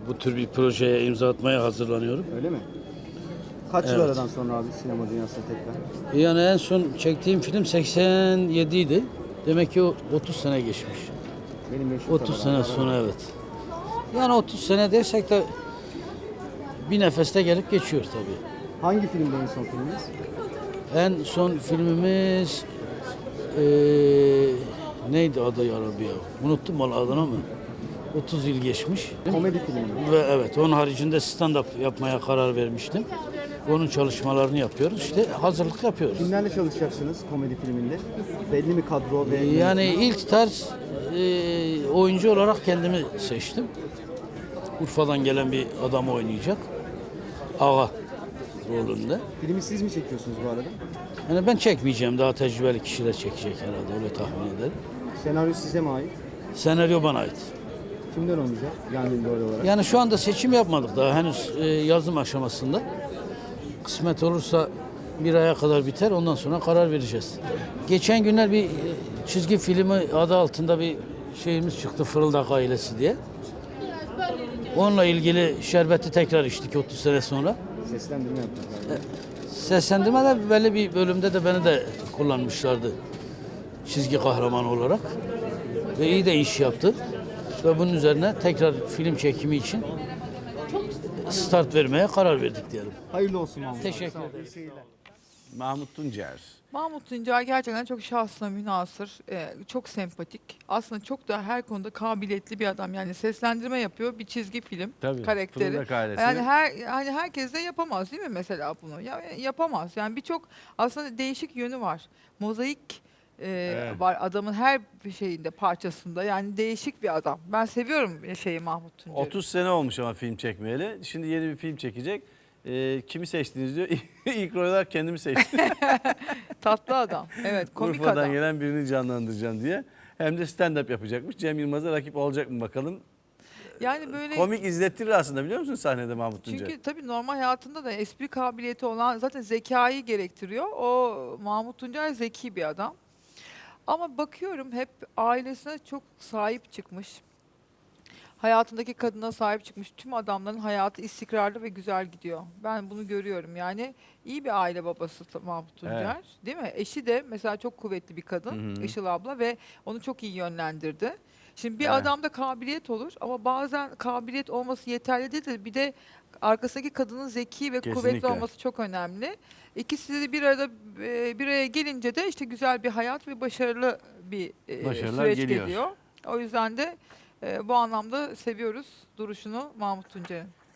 bu tür bir projeye imza atmaya hazırlanıyorum. Öyle mi? Kaç yıl Evet. aradan sonra abi sinema dünyasına tekrar? Yani en son çektiğim film 87 idi. Demek ki o 30 sene geçmiş. Benim yaşım 30 sene sonra evet. Yani 30 sene dersek de bir nefeste gelip geçiyor tabii. Hangi filmde en son filminiz? En son filmimiz neydi adı ya Rabbi ya? Unuttum valla adını ama 30 yıl geçmiş. Komedi filmi mi? Ve evet onun haricinde stand-up yapmaya karar vermiştim. Onun çalışmalarını yapıyoruz. İşte hazırlık yapıyoruz. Kimlerle çalışacaksınız komedi filminde? Belli mi kadro ve Yani yönetmen? ilk tarz oyuncu olarak kendimi seçtim. Urfa'dan gelen bir adam oynayacak. Ağa rolünde. Filmi siz mi çekiyorsunuz bu arada? Yani ben çekmeyeceğim. Daha tecrübeli kişiler çekecek herhalde. Öyle tahmin ederim. Senaryo size mi ait? Senaryo bana ait. Kimden oynayacak? Yani rol olarak. Yani şu anda seçim yapmadık daha. Henüz yazım aşamasında. Kısmet olursa bir aya kadar biter. Ondan sonra karar vereceğiz. Geçen günler bir çizgi filmi adı altında bir şeyimiz çıktı. Fırıldak Ailesi diye. Onunla ilgili şerbeti tekrar içtik 30 sene sonra. Seslendirme yapacak galiba. Seslendirmede belli bir bölümde de beni de kullanmışlardı. Çizgi kahraman olarak. Ve iyi de iş yaptı. Ve bunun üzerine tekrar film çekimi için start vermeye karar verdik diyelim. Hayırlı olsun Mahmut. Teşekkür Sağ ol, ederim. iyi seyirler. Mahmut Tuncer. Mahmut Tuncer gerçekten çok şahsına münhasır, çok sempatik. Aslında çok da her konuda kabiliyetli bir adam. Yani seslendirme yapıyor, bir çizgi film Tabii. karakteri. Fırıldak Ailesi. Yani hani herkes de yapamaz değil mi mesela bunu? Ya, yapamaz. Yani birçok aslında değişik yönü var. Mozaik Evet. var adamın her şeyinde, parçasında. Yani değişik bir adam. Ben seviyorum Mahmut Tuncer'i. 30 sene olmuş ama film çekmeyeli. Şimdi yeni bir film çekecek. Kimi seçtiniz diyor. İlk rol olarak kendimi seçtim. Tatlı adam. Evet, komik Urfa'dan adam. gelen birini canlandıracağım diye. Hem de stand-up yapacakmış. Cem Yılmaz'a rakip olacak mı bakalım. Yani böyle Komik izlettirir aslında biliyor musun sahnede Mahmut Tuncer? çünkü tabii normal hayatında da espri kabiliyeti olan zaten zekayı gerektiriyor. O Mahmut Tuncer zeki bir adam. Ama bakıyorum hep ailesine çok sahip çıkmış. Hayatındaki kadına sahip çıkmış. Tüm adamların hayatı istikrarlı ve güzel gidiyor. Ben bunu görüyorum. Yani iyi bir aile babası Mahmut Tuncer. Evet. Değil mi? Eşi de mesela çok kuvvetli bir kadın. Hı hı. Işıl abla ve onu çok iyi yönlendirdi. Şimdi bir Evet. adamda kabiliyet olur ama bazen kabiliyet olması yeterli değil de bir de arkasındaki kadının zeki ve kuvvetli Kesinlikle. olması çok önemli. İkisi de bir arada bir araya gelince de işte güzel bir hayat ve başarılı bir Başarılar süreç geliyor. geliyor. O yüzden de bu anlamda seviyoruz duruşunu Mahmut Tuncer'in.